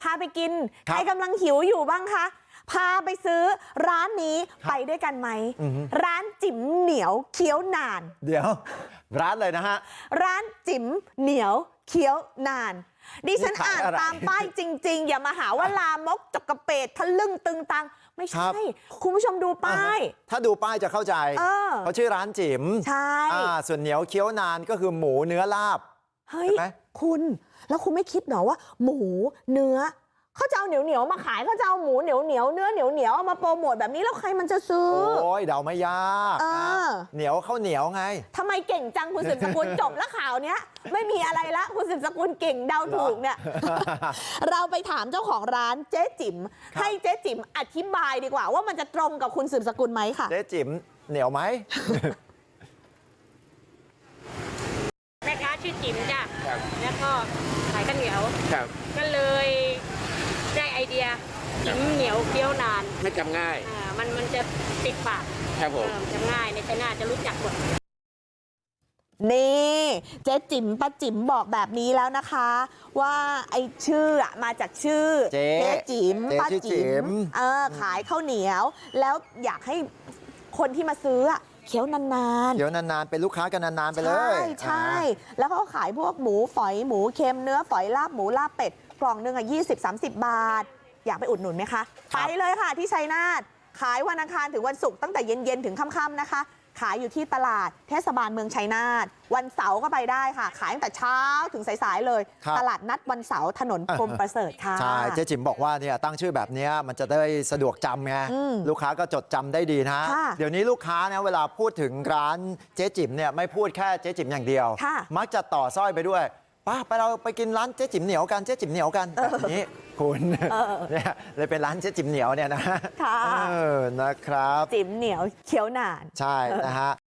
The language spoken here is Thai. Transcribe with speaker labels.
Speaker 1: าไปกินใครกำลังหิวอยู่บ้างคะพาไปซื้อร้านนี้ไปด้วยกันไหมร้านจิ๋มเหนียวเคี้ยวนาน
Speaker 2: เดี๋ยวร้านเลยนะฮะ
Speaker 1: ร้านจิ๋มเหนียวเคี้ยวนานดิฉันอ่านตามป้ายจริงๆอย่ามาหาว่าลามกจกกระเปดทะลึ่งตึงตังไม่ใช่คุณผู้ชมดูป้าย
Speaker 2: ถ้าดูป้ายจะเข้าใจเขาชื่อร้านจิ๋ม
Speaker 1: ใช่
Speaker 2: ส่วนเหนียวเคี้ยวนานก็คือหมูเนื้อลาบ
Speaker 1: เฮ้ยคุณแล้วคุณไม่คิดหรอว่าหมูเนื้อเขาจะเอาเหนียวมาขายเขาจะเอาหมูเหนียวเนื้อเหนียวเอามาโปรโมทแบบนี้แล้วใครมันจะซื้อ
Speaker 2: โอ้ยเดาไม่ยากเหนียวข้าวเหนียวไง
Speaker 1: ทำไมเก่งจังคุณสืบสกุลจบแล้วข่าวเนี้ยไม่มีอะไรละคุณสืบสกุลเก่งเดาถูกเนี่ยเราไปถามเจ้าของร้านเจ๊จิ๋มให้เจ๊จิ๋มอธิบายดีกว่าว่ามันจะตรงกับคุณสืบสกุลไหมค่ะ
Speaker 2: เจ๊จิ๋มเหนียวไหม
Speaker 3: แม่ค้าชื่อจิ๋มจ้ะแล้วก็ขายข้าวเหนียวก็เลยได้ไอเดียจิ๋มเหนียวเคี้ยวนาน
Speaker 4: ไม่จำง่าย
Speaker 3: มันจะติดปาก
Speaker 4: ครับผม
Speaker 3: จำง่ายในชัยนาทจะรู้จักหมด
Speaker 1: นี่เจ๊จิ๋มป้าจิ๋มบอกแบบนี้แล้วนะคะว่าไอชื่อมาจากชื่อเจ๊จิ๋มป้าจิ๋มขายข้าวเหนียวแล้วอยากให้คนที่มาซื้อเคี้ยวนานๆ
Speaker 2: เคี้ยวนานๆเป็นลูกค้ากันนานๆไปเลย
Speaker 1: ใช่แล้วเขาขายพวกหมูฝอยหมูเค็มเนื้อฝอยลาบหมูลาบเป็ดกล่องนึง20-30 บาทอยากไปอุดหนุนไหมคะไปเลยค่ะที่ชัยนาทขายวันอังคารถึงวันศุกร์ตั้งแต่เย็นๆถึงค่ำๆนะคะขายอยู่ที่ตลาดเทศบาลเมืองชัยนาทวันเสาร์ก็ไปได้ค่ะขายตั้งแต่เช้าถึงสายๆเลยตลาดนัดวันเสาร์ถนนพรหมประเสริฐค่ะ
Speaker 2: ใช่เจ๊จิ๋มบอกว่าเนี่ยตั้งชื่อแบบนี้มันจะได้สะดวกจำไงลูกค้าก็จดจำได้ดีนะเดี๋ยวนี้ลูกค้าเนี่ยเวลาพูดถึงร้านเจ๊จิ๋มเนี่ยไม่พูดแค่เจ๊จิ๋มอย่างเดียวมักจะต่อสร้อยไปด้วยป้าไปเราไปกินร้านเจ๊จิ๋มเหนียวกันเจ๊จิ๋มเหนียวกันแบบนี้คุณเนี่ยเลยเป็นร้านเจ๊จิ๋มเหนียวเนี่ยนะนะครับ
Speaker 1: จิ๋มเหนียวเคี้ยวนาน
Speaker 2: ใช่นะฮะ